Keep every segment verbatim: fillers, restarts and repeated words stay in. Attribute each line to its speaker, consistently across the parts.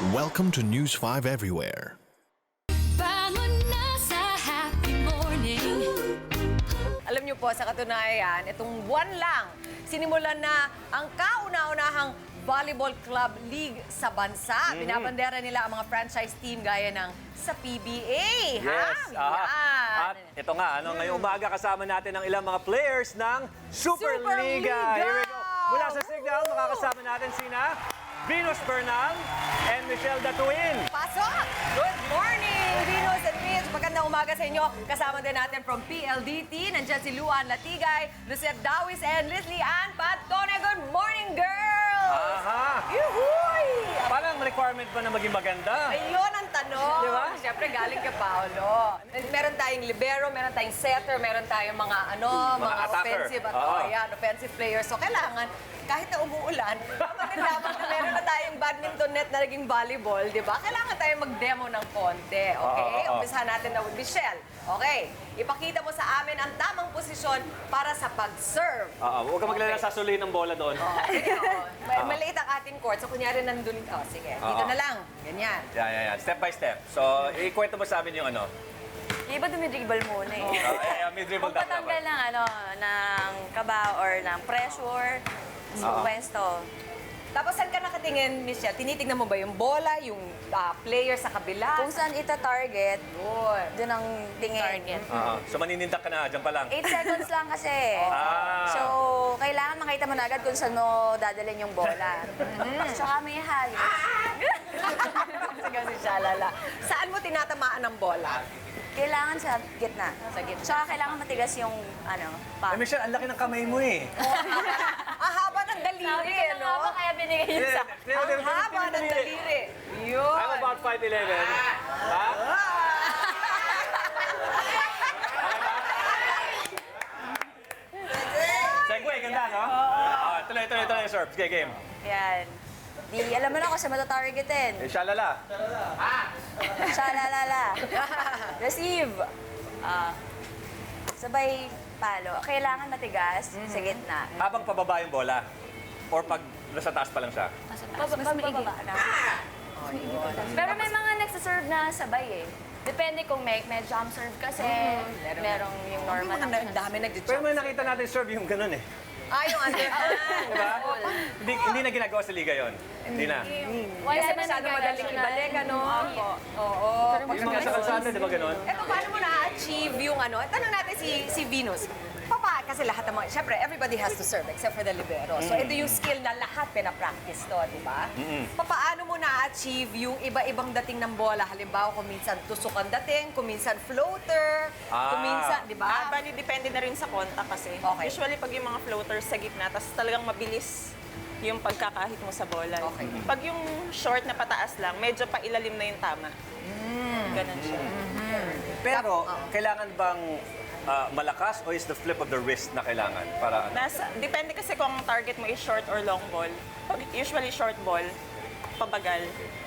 Speaker 1: Welcome to News five Everywhere.
Speaker 2: Bangon na sa happy morning.
Speaker 3: Alam niyo po, sa katunayan, itong buwan lang, sinimulan na ang kauna-unahang Volleyball Club League sa bansa. Binabandera nila ang mga franchise team gaya ng sa P B A.
Speaker 4: Yes.
Speaker 3: Ha?
Speaker 4: ah.
Speaker 3: Yan.
Speaker 4: At ito nga, ano, ngayong umaga kasama natin ang ilang mga players ng Superliga.
Speaker 3: Superliga!
Speaker 4: Here we go. Mula sa Signal, makakasama natin sina Venus Bernal and Michelle Datuin.
Speaker 3: Pasok! Good morning, Venus and Mitch. Magandang umaga sa inyo. Kasama din natin from P L D T. Nandiyan si Luan Latigay, Lucette Dawis, and Leslie Ann Patone. Good morning, girls!
Speaker 4: Aha!
Speaker 3: Yuhuy!
Speaker 4: Parang requirement ba na maging maganda?
Speaker 3: Ayun ang tanong.
Speaker 4: Di ba?
Speaker 3: Siyempre, galing kay Paolo. Meron tayong libero, meron tayong setter, meron tayong mga ano,
Speaker 4: Mga
Speaker 3: mga,
Speaker 4: attacker.
Speaker 3: offensive at
Speaker 4: Oo.
Speaker 3: oh, yan, offensive players. So, kailangan, kahit na umuulan, maganda na meron na tayong badminton net na naging volleyball, di ba? Kailangan tayong mag-demo ng konti, okay?
Speaker 4: Oo, oo.
Speaker 3: Umpisahan natin na with Michelle. Okay, ipakita mo sa amin ang tamang posisyon para sa pag-serve.
Speaker 4: Oo, huwag ka maglala sa suli ng bola doon.
Speaker 3: Sige, oh. May- Maliit ang ating court, so kunyari nandun, oh, sige, dito
Speaker 4: Oo.
Speaker 3: na lang, ganyan.
Speaker 4: Yan, yan, yan. Step by step. So, ikwento mo sa amin yung ano.
Speaker 5: Yung iba dumidribble muna eh.
Speaker 4: Uh, eh, may dribble
Speaker 5: Kung
Speaker 4: tap
Speaker 5: patanggal
Speaker 4: dapat.
Speaker 5: ng ano, ng kaba or ng pressure, sa
Speaker 4: Oo.
Speaker 5: pwesto.
Speaker 3: Tapos saan ka nakatingin, Michelle? Tinitingnan mo ba yung bola, yung ah, player sa kabila?
Speaker 5: Kung saan ita-target,
Speaker 3: Yun.
Speaker 5: doon ang tingin.
Speaker 3: Target.
Speaker 4: Oo. So, maninindak ka na, dyan pa lang.
Speaker 5: eight seconds lang kasi.
Speaker 4: Ah.
Speaker 5: So, kailangan makita mo na agad kung saan mo dadalhin yung bola. Tsaka may halos.
Speaker 3: Sige, si Shalala. Saan mo tinatamaan ng bola?
Speaker 5: Kailangan sa gitna.
Speaker 3: Sa gitna.
Speaker 5: Tsaka kailangan matigas yung, ano,
Speaker 4: Eh,
Speaker 5: pa.
Speaker 4: Michelle, ang laki ng kamay mo eh.
Speaker 3: Ang haba ng daliri,
Speaker 5: Sabi ko na nga ba,
Speaker 3: no?
Speaker 5: kaya binigay yun sa...
Speaker 3: Ang haba ng daliri. Yun.
Speaker 4: I'm about five eleven. Ha? Segway, ganda, no? Ah, tuloy, tuloy, tuloy, serve. Sige, game.
Speaker 5: Yan. Di, alam mo na kung saan matatargetin.
Speaker 4: Eh, shalala.
Speaker 5: Shalalala. Receive. Ah, sabay palo. Kailangan matigas sa gitna.
Speaker 4: Habang pababa yung bola. Or pag nasa taas pa lang siya.
Speaker 5: Mas mababa na. Pero may mga nagsaserve na sabay eh. Depende kung may, may jump serve kasi, merong yung normal
Speaker 3: Ang
Speaker 5: na.
Speaker 3: dami
Speaker 4: Pero
Speaker 3: nag-jump.
Speaker 4: may nakita natin serve yung ganun eh.
Speaker 3: Ah, yung underhand.
Speaker 4: Diba? hindi, hindi na ginagawa sa liga yon. Hindi na.
Speaker 5: Wala
Speaker 3: Kasi
Speaker 5: na
Speaker 3: masyado madaling ibalik, ano? Oo.
Speaker 4: Yung mga sa kalsada, di ba ganun?
Speaker 3: Eto, paano mo na-achieve yung ano? Tanong natin si si Venus. Papa, kasi lahat ng mga, syempre, everybody has to serve except for the libero. So, ito yung skill na lahat pinapractice to, di ba? Papaano mo na-achieve yung iba-ibang dating ng bola? Halimbawa, kung minsan tusok ang dating, kung minsan floater, kung
Speaker 4: Ah.
Speaker 3: minsan, di
Speaker 6: Ah,
Speaker 3: ba?
Speaker 6: bali, depende na rin sa contact kasi.
Speaker 3: Okay.
Speaker 6: Usually, pag yung mga floaters sa gitna, tas talagang mabilis yung pagkakahit mo sa bola.
Speaker 3: Okay.
Speaker 6: Pag yung short na pataas lang, medyo pailalim na yung tama. Ganon siya.
Speaker 4: Pero, kailangan bang ah, malakas o is the flip of the wrist na kailangan para ano?
Speaker 6: Nasa, depende kasi kung ang target mo is short or long ball. Pag usually short ball, pabagal.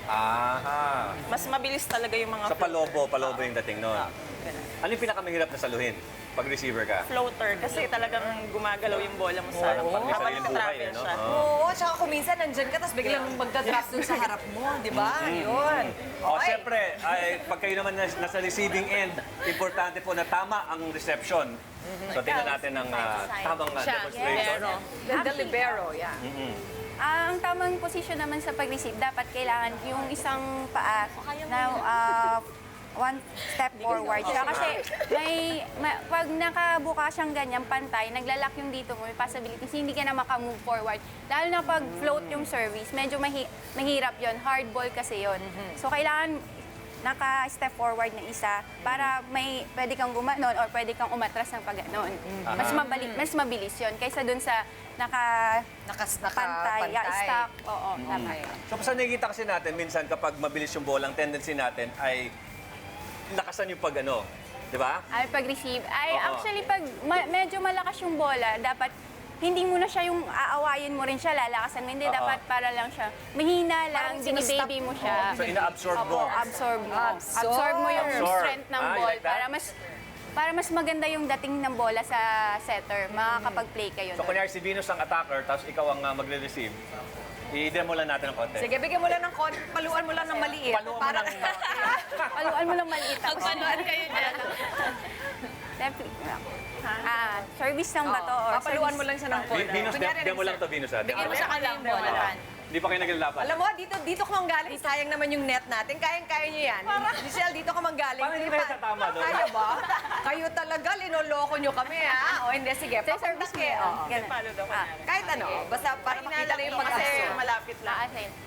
Speaker 4: Aha.
Speaker 6: Mas mabilis talaga yung mga
Speaker 4: Sa palobo, palobo yung dating nun.
Speaker 6: Ganun.
Speaker 4: Ano yung pinakamahirap na saluhin pag receiver ka?
Speaker 6: Floater, kasi talagang gumagalaw yung bola mo sa
Speaker 4: Parang may
Speaker 6: habang
Speaker 4: sariling buhay,
Speaker 6: nagtatravel
Speaker 4: ano?
Speaker 6: siya.
Speaker 4: Oo.
Speaker 3: Oo, tsaka kung minsan nandyan ka, tapos biglang magdadrop dun sa harap mo, di ba? Yun.
Speaker 4: O,
Speaker 3: Okay.
Speaker 4: siyempre, ay, pag kayo naman nas- nasa receiving end, importante po na tama ang reception. So, tingnan natin ang ah, tamang ah, demonstration.
Speaker 3: The, the libero, yeah.
Speaker 7: Ah, ang tamang position naman sa pag-receive, dapat kailangan yung isang paa na ah, one step forward siya. Kasi may, ma- pag nakabuka siyang ganyan, pantay, naglalak yung dito mo, may possibilities, hindi ka na makamove forward. Lalo na pag float yung service, medyo mahi- mahirap yon, hard ball kasi yon. So, kailangan naka-step forward na isa para may pwede kang gumanon or pwede kang umatras ng pagganon. Mas mabali, mas mabilis yon kaysa dun sa naka
Speaker 3: Nakas,
Speaker 7: pantay, yeah,
Speaker 3: nakapantay.
Speaker 7: stock. Oo, tama.
Speaker 4: So, sa nakikita kasi natin, minsan kapag mabilis yung bola, ang tendency natin ay lakasan yung pag ano. Di ba?
Speaker 7: Ay, pag-receive. Ay,
Speaker 4: Oo.
Speaker 7: actually, pag ma- medyo malakas yung bola, dapat hindi mo na siya yung aawayin mo rin siya, lalakasan mo. Hindi,
Speaker 4: Oo.
Speaker 7: dapat para lang siya. Mahina lang,
Speaker 3: Parang sinustop
Speaker 7: binibaby mo siya.
Speaker 4: So, ina-absorb mo.
Speaker 7: Opo, absorb mo.
Speaker 3: Absorb.
Speaker 7: Absorb mo yung
Speaker 4: Absorb.
Speaker 7: strength ng
Speaker 4: Ah, you
Speaker 7: ball
Speaker 4: like that?
Speaker 7: para mas para mas maganda yung dating ng bola sa setter. Makakapag-play kayo
Speaker 4: So,
Speaker 7: nun.
Speaker 4: kunyari si Venus ang attacker, tapos ikaw ang ah, magre-receive. I-demo lang natin ng konti.
Speaker 3: Sige, bigyan mo lang ng kon, paluan mo lang ng maliit.
Speaker 4: Paluan mo
Speaker 3: Para-
Speaker 4: ng-
Speaker 7: Paluan mo lang maliit ako.
Speaker 5: Magpanuan kayo dyan.
Speaker 7: Netflix lang. Ah, service lang ba to?
Speaker 3: Oo,
Speaker 7: Or
Speaker 3: papaluan
Speaker 7: service-
Speaker 3: mo lang siya ng kon.
Speaker 4: Vi- Venus,
Speaker 3: Kunyari,
Speaker 4: de- demo lang to, Venus. ah. Demo
Speaker 5: Bigyan mo
Speaker 4: lang.
Speaker 5: sa kanya yung bola.
Speaker 4: Hindi pa kayo naglalaban.
Speaker 3: Alam mo, dito dito ka manggaling. Sayang naman yung net natin. Kayang-kaya niyo yan. Michelle, dito ka manggaling.
Speaker 4: Parang hindi kayo tatama doon.
Speaker 3: Kaya ba? Kayo talaga, linoloko niyo kami, ha? O hindi, sige.
Speaker 7: Sa service mo yan.
Speaker 3: Oo.
Speaker 7: Ganun.
Speaker 6: Follow daw
Speaker 7: Ah,
Speaker 6: kunyari.
Speaker 3: Kahit ano, basta para makita na yung
Speaker 6: Kasi
Speaker 3: pag-aso.
Speaker 6: malapit lang.
Speaker 5: Ah, sige.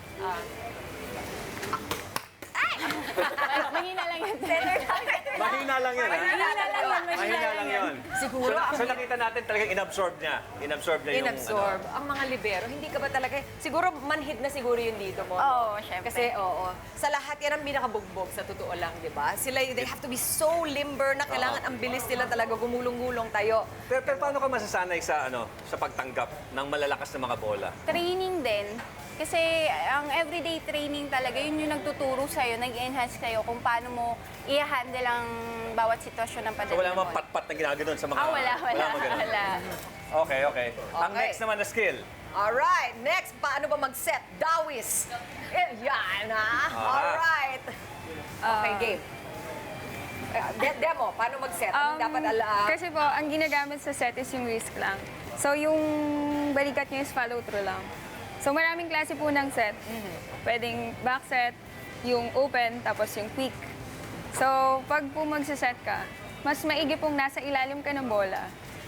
Speaker 7: mahina lang yan.
Speaker 4: Mahina lang yun. ah.
Speaker 7: Mahina lang yan.
Speaker 4: Mahina lang yun.
Speaker 3: Siguro,
Speaker 4: So,
Speaker 3: ang
Speaker 4: so nakita natin talagang inabsorb niya. Inabsorb niya yung...
Speaker 3: inabsorb. Ang mga libero, hindi ka ba talaga, siguro manhid na siguro yung dito mo.
Speaker 7: Oo, syempre.
Speaker 3: Kasi oo, sa lahat yan ang pinakabugbog sa totoo lang, di ba? Sila, they have to be so limber na kailangan ang bilis nila talaga gumulong-gulong tayo.
Speaker 4: Pero, pero paano ka masasanay sa ano sa pagtanggap ng malalakas na mga bola?
Speaker 7: Training din. Kasi ang everyday training talaga, yun yung nagtuturo sa'yo, nag-enhance kayo kung paano mo i-handle ang bawat sitwasyon ng
Speaker 4: So
Speaker 7: padating
Speaker 4: wala
Speaker 7: na
Speaker 4: namang
Speaker 7: bola.
Speaker 4: pat-pat na ginaganon sa mga...
Speaker 7: Ah, wala, wala,
Speaker 4: mga ganun.
Speaker 7: wala.
Speaker 4: Okay, okay. Ang
Speaker 3: Okay.
Speaker 4: next naman na skill.
Speaker 3: Alright, next, paano ba mag-set? Dawis. Eh, yan, ha? Alright. Okay, game. Eh, de- demo, paano mag-set? Anong
Speaker 8: Um,
Speaker 3: dapat ala?
Speaker 8: Kasi po, ang ginagamit sa set is yung wrist lang. So, yung balikat nyo is follow through lang. So, maraming klase po ng set. Pwedeng back set, yung open, tapos yung quick. So, pag po magsiset ka, mas maigi pong nasa ilalim ka ng bola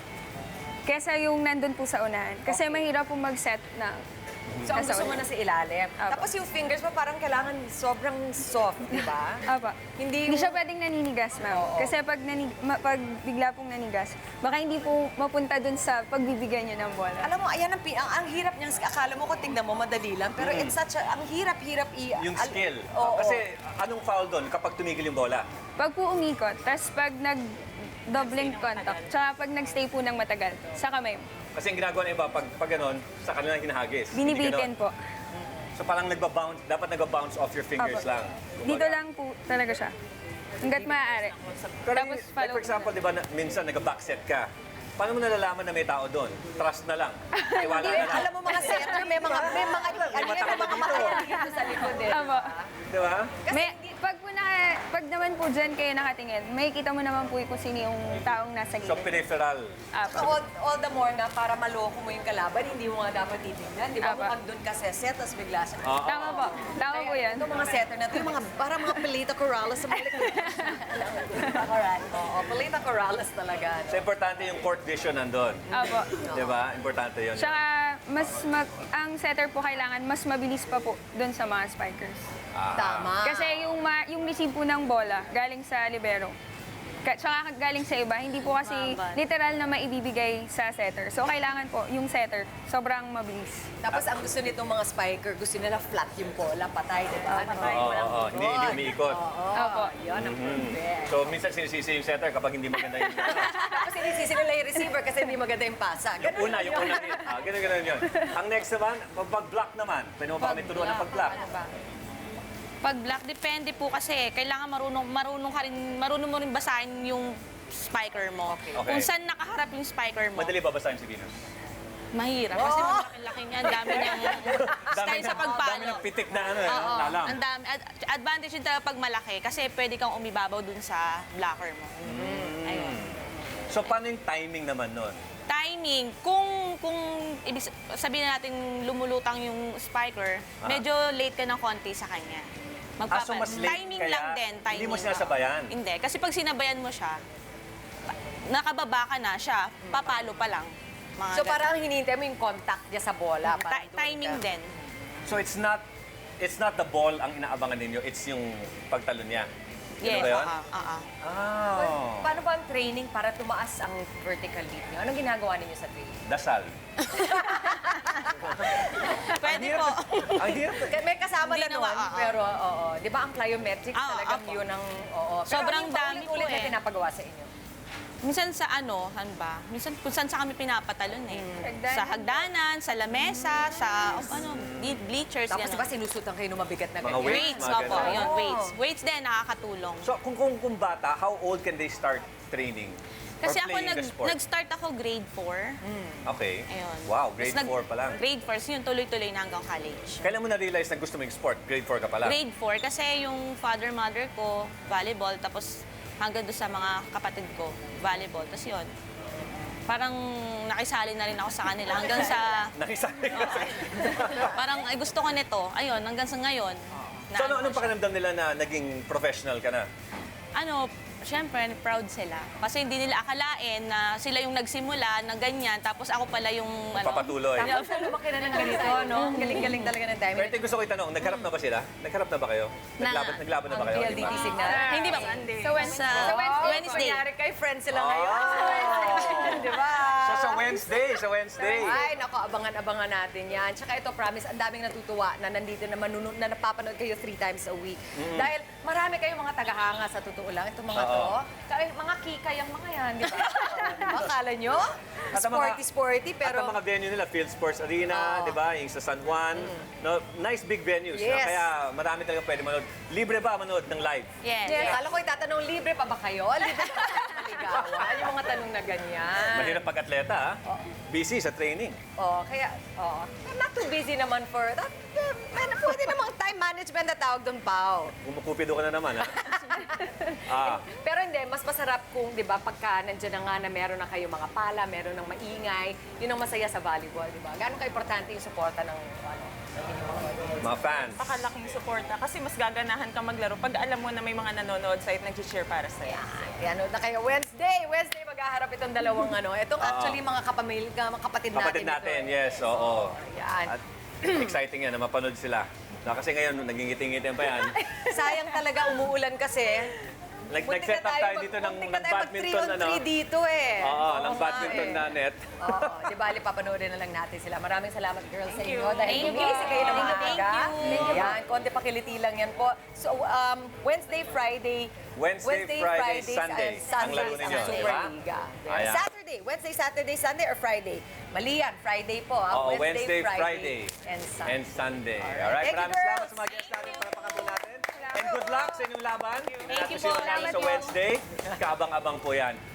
Speaker 8: kesa yung nandun po sa unahan. Kasi mahirap po mag-set na
Speaker 3: So, ang
Speaker 8: nasa
Speaker 3: gusto mo
Speaker 8: unahan.
Speaker 3: na sa ilalim.
Speaker 8: Apo.
Speaker 3: Tapos yung fingers mo parang kailangan sobrang soft, di ba?
Speaker 8: Apa.
Speaker 3: Hindi
Speaker 8: Hindi
Speaker 3: yung-
Speaker 8: siya pwedeng naninigas, ma'am. Kasi pag, nanig, ma- pag bigla pong nanigas, baka hindi po mapunta dun sa pagbibigyan niyo ng bola.
Speaker 3: Alam mo, ayan ang, pi- ang, ang hirap niyang, akala mo kung tignan mo, madali lang. Pero it's such a, ang hirap-hirap i...
Speaker 4: Yung
Speaker 3: al-
Speaker 4: skill.
Speaker 3: Oo.
Speaker 4: Kasi anong foul doon kapag tumigil yung bola?
Speaker 8: Pag po umikot, tapos pag nag doubling contact, tsaka pag nagstay po ng matagal, sa kamay mo.
Speaker 4: Kasi ang ginagawa ng iba, pag, pag ganun, sa kanila hinahagis. Hindi
Speaker 8: Binibitin
Speaker 4: ganon.
Speaker 8: po.
Speaker 4: So parang nagba-bounce, dapat nagba-bounce off your fingers
Speaker 8: Apo.
Speaker 4: lang.
Speaker 8: Dito lang po talaga siya. Hanggat maaari.
Speaker 4: Pero
Speaker 8: Tapos
Speaker 4: like
Speaker 8: follow
Speaker 4: for example, di ba, na, minsan nag-backset ka. Paano mo nalalaman na may tao doon? Trust na lang. Iwala
Speaker 3: Hindi,
Speaker 4: na lang.
Speaker 3: alam mo mga setter, may mga, may mga, ano yan, may
Speaker 4: mata
Speaker 3: mga
Speaker 4: dito.
Speaker 3: mata dito sa likod eh.
Speaker 8: Apo.
Speaker 4: Di ba?
Speaker 8: May, pag, po naka, pag naman po dyan kayo nakatingin, may kita mo naman po kung sino yung taong nasa
Speaker 4: So
Speaker 8: gilid.
Speaker 4: peripheral.
Speaker 8: Apo.
Speaker 3: So, all, all the more na para maloko mo yung kalaban, hindi mo nga dapat titignan. Di ba?
Speaker 8: Apa.
Speaker 3: Mukhang doon ka set, tapos bigla siya.
Speaker 4: Oo.
Speaker 8: Tama po. Tama po yan.
Speaker 3: Ito mga setter na ito, yung mga, parang mga Pelita Corrales sa mga likod. Pelita Corrales. Oo, Pelita Corrales talaga. no?
Speaker 4: So importante yung court vision nandun.
Speaker 8: Apo.
Speaker 4: Di ba? Importante yun.
Speaker 8: Tsaka, mas mag, ang setter po kailangan mas mabilis pa po doon sa mga spikers.
Speaker 3: Tama.
Speaker 8: Kasi yung, ma, yung receive po ng bola galing sa libero. Ka, tsaka galing sa iba, hindi po kasi literal na maibibigay sa setter. So, kailangan po yung setter sobrang mabilis.
Speaker 3: Tapos ang gusto nitong mga spiker, gusto nila flat yung bola, patay, di ba? Patay,
Speaker 4: Oo,
Speaker 3: walang
Speaker 4: oo, oo. Hindi, hindi
Speaker 3: ikot.
Speaker 4: umiikot.
Speaker 3: Oo,
Speaker 8: Opo.
Speaker 3: yun ang perfect.
Speaker 4: So minsan sinisisi yung setter kapag hindi maganda yung...
Speaker 3: Tapos inisisi nila yung receiver kasi hindi maganda yung pasa.
Speaker 4: yung una, yung una rin. Ah, ganun, ganun yun. Ang next naman, pag-block naman. Pwede mo ba kami turuan ng pag-block?
Speaker 9: Pag black, depende po kasi kailangan marunong marunong ka rin marunong mo rin basahin yung spiker mo.
Speaker 3: Okay.
Speaker 4: Okay.
Speaker 9: Kung saan nakaharap yung spiker mo.
Speaker 4: Madali ba basahin si Venus?
Speaker 9: Mahirap kasi malaki-laki niya, ang dami niyang style sa
Speaker 4: Dami
Speaker 9: pagpalo.
Speaker 4: ng pitik na ano, eh,
Speaker 9: Oo,
Speaker 4: lalang.
Speaker 9: ang dami. Ad- advantage yun talaga pag malaki kasi pwede kang umibabaw dun sa blocker mo. Ayun.
Speaker 4: So paano yung timing naman nun?
Speaker 9: Timing, kung kung ibig sabihin natin lumulutang yung spiker,
Speaker 4: Ah.
Speaker 9: medyo late ka ng konti sa kanya.
Speaker 4: Ah, so mas late
Speaker 9: timing
Speaker 4: kaya
Speaker 9: lang din, timing.
Speaker 4: hindi mo sinasabayan?
Speaker 9: Hindi, kasi pag sinabayan mo siya, nakababa ka na siya, papalo pa lang. Mga
Speaker 3: So
Speaker 9: ganun.
Speaker 3: parang hinihintay mo yung contact niya sa bola.
Speaker 9: Ta-
Speaker 3: parang doon
Speaker 9: timing
Speaker 3: ka.
Speaker 9: din.
Speaker 4: So it's not it's not the ball ang inaabangan ninyo, it's yung pagtalo niya. Ganun
Speaker 9: Yes,
Speaker 4: ba yun?
Speaker 9: ah, ah, ah.
Speaker 4: Oh.
Speaker 3: Paano ba ang training para tumaas ang vertical leap niyo? Anong ginagawa ninyo sa training?
Speaker 4: Dasal.
Speaker 9: Pwede po.
Speaker 4: Ang hirap.
Speaker 3: K- May kasama
Speaker 9: Hindi
Speaker 3: na nun,
Speaker 9: naman, oo.
Speaker 3: pero oo. Di ba ang plyometrics
Speaker 9: Oo,
Speaker 3: talagang
Speaker 9: opo.
Speaker 3: yun ang, oo. Pero
Speaker 9: Sobrang
Speaker 3: ano yung
Speaker 9: dami po
Speaker 3: paulit-ulit na
Speaker 9: eh.
Speaker 3: pinapagawa sa inyo?
Speaker 9: Minsan sa ano, saan ba? Minsan kung saan sa kami pinapatalon eh.
Speaker 8: Hagdanan.
Speaker 9: Sa hagdanan, sa lamesa, sa oh, ano, ble- bleachers,
Speaker 3: Tapos
Speaker 9: gano'n.
Speaker 3: ba sinusutan kayo ng mabigat na
Speaker 4: Mga
Speaker 3: ganyan?
Speaker 4: weights,
Speaker 9: Weights,
Speaker 4: mga
Speaker 9: opo,
Speaker 4: ganun.
Speaker 9: yun,
Speaker 3: Oo.
Speaker 9: weights. Weights din, nakakatulong.
Speaker 4: So kung, kung kung bata, how old can they start training?
Speaker 9: Kasi
Speaker 4: Or
Speaker 9: ako,
Speaker 4: playing
Speaker 9: nag,
Speaker 4: the sport?
Speaker 9: nag-start ako grade four.
Speaker 4: Okay.
Speaker 9: Ayun.
Speaker 4: Wow, grade
Speaker 9: Tapos nag-
Speaker 4: four pa lang.
Speaker 9: Grade four, so yun tuloy-tuloy na hanggang college.
Speaker 4: Kailan mo na-realize na gusto mo yung sport? Grade four ka pa lang?
Speaker 9: Grade four, kasi yung father-mother ko, volleyball, tapos hanggang doon sa mga kapatid ko, volleyball. Tapos yun, parang nakisali na rin ako sa kanila hanggang sa...
Speaker 4: Nakisali ka.
Speaker 9: Parang ay gusto ko nito. Ayun, hanggang sa ngayon. na
Speaker 4: So, ano,
Speaker 9: ano
Speaker 4: anong
Speaker 9: siya.
Speaker 4: pakiramdam nila na naging professional ka na?
Speaker 9: Ano, syempre, proud sila. Kasi hindi nila akalain na sila yung nagsimula na ganyan, tapos ako pala yung... Ano,
Speaker 4: Papatuloy.
Speaker 3: Tapos na lumaki na ng ganito, no? Ang galing-galing talaga ng timing.
Speaker 4: Pero ito yung gusto ko itanong, nagharap na ba sila? Nagharap na ba kayo? Naglaban, naglaban na ba kayo?
Speaker 3: P L D T
Speaker 4: Di ba?
Speaker 3: signal.
Speaker 9: Hindi ba?
Speaker 6: Sunday.
Speaker 9: Sa Wednesday. Sa Wednesday.
Speaker 3: Kunyari kay friends sila ngayon. Sa Wednesday, di ba?
Speaker 4: So, sa Wednesday, sa Wednesday.
Speaker 3: Ay, nako, abangan-abangan natin yan. Tsaka ito, promise, ang daming natutuwa na nandito na manunod, na napapanood kayo three times a week. Dahil marami kayong mga tagahanga sa totoo lang. Itong mga to. Kaya mga kikay ang mga yan, di ba? Diba? Akala nyo?
Speaker 4: At ang mga-
Speaker 3: Sporty-sporty,
Speaker 4: At ang
Speaker 3: pero...
Speaker 4: mga venue nila, Field Sports Arena, di ba? Yung sa San Juan. No, nice big venues. No?
Speaker 3: Yes.
Speaker 4: Kaya marami talagang pwede manood. Libre ba manood ng live?
Speaker 9: Yes.
Speaker 3: Yes. Akala ko itatanong, libre pa ba kayo? Libre pa ba kayo maligawan? Yung mga tanong na ganyan.
Speaker 4: Mahirap pag-atleta, ha? Busy sa training.
Speaker 3: Oh, kaya, oh, not too busy naman for that. Uh, man, pwede namang time management na tawag doon, Pao.
Speaker 4: Kumukupido ka na naman, ha? ah,
Speaker 3: Pero hindi, mas masarap kung, di ba, pagka nandiyan na nga na meron na kayo mga pala, meron ng maingay, yun ang masaya sa volleyball, di ba? Gaano ka-importante yung suporta ng, ano, ng inyong mga
Speaker 4: mga fans.
Speaker 6: Napakalaking suporta kasi mas gaganahan ka maglaro pag alam mo na may mga nanonood sa'yo at nag-cheer para sa'yo.
Speaker 3: Kaya ano na kayo, Wednesday, Wednesday maghaharap itong dalawang ano. Itong actually mga kapamil, mga kapatid natin.
Speaker 4: Kapatid natin,
Speaker 3: ito.
Speaker 4: yes, oo.
Speaker 3: Yan.
Speaker 4: At exciting yan na mapanood sila. Na kasi ngayon, nagingiti-ngiti pa yan.
Speaker 3: Sayang talaga umuulan kasi.
Speaker 4: Nag-
Speaker 3: Muntik
Speaker 4: Nag-set
Speaker 3: na
Speaker 4: up
Speaker 3: tayo
Speaker 4: tayo
Speaker 3: mag-
Speaker 4: dito ng,
Speaker 3: muntik
Speaker 4: ng
Speaker 3: na tayo mag
Speaker 4: badminton,
Speaker 3: three on
Speaker 4: ano?
Speaker 3: three dito eh.
Speaker 4: Oo, ng
Speaker 3: nga
Speaker 4: badminton
Speaker 3: eh.
Speaker 4: na net.
Speaker 3: Oo, di bali, papanoodin na lang natin sila. Maraming salamat, girls, sa inyo.
Speaker 6: you.
Speaker 3: Dahil
Speaker 9: Thank you.
Speaker 3: gumising kayo ng
Speaker 9: Thank you,
Speaker 3: maaga.
Speaker 9: thank you.
Speaker 3: Yan, konti pakiliti lang yan po. So, um, Wednesday, Friday,
Speaker 4: Wednesday, Friday,
Speaker 3: Fridays,
Speaker 4: Sunday.
Speaker 3: and Sundays
Speaker 4: Ang laro ninyo,
Speaker 3: ang
Speaker 4: di
Speaker 3: Super
Speaker 4: ba?
Speaker 3: Liga.
Speaker 4: Ayan.
Speaker 3: Saturday, Wednesday, Saturday, Sunday, or Friday? Mali yan, Friday po. ah.
Speaker 4: Oo, Wednesday, Friday,
Speaker 3: and Sunday.
Speaker 4: and Sunday.
Speaker 3: Alright.
Speaker 4: Alright,
Speaker 3: Thank you,
Speaker 4: maraming salamat
Speaker 3: girls.
Speaker 4: sa mga guests natin para pakatulong natin. And good luck sa inyong laban.
Speaker 9: Thank you
Speaker 4: Natin
Speaker 9: po.
Speaker 4: namin sa
Speaker 9: Thank you.
Speaker 4: Wednesday. Kaabang-abang po yan.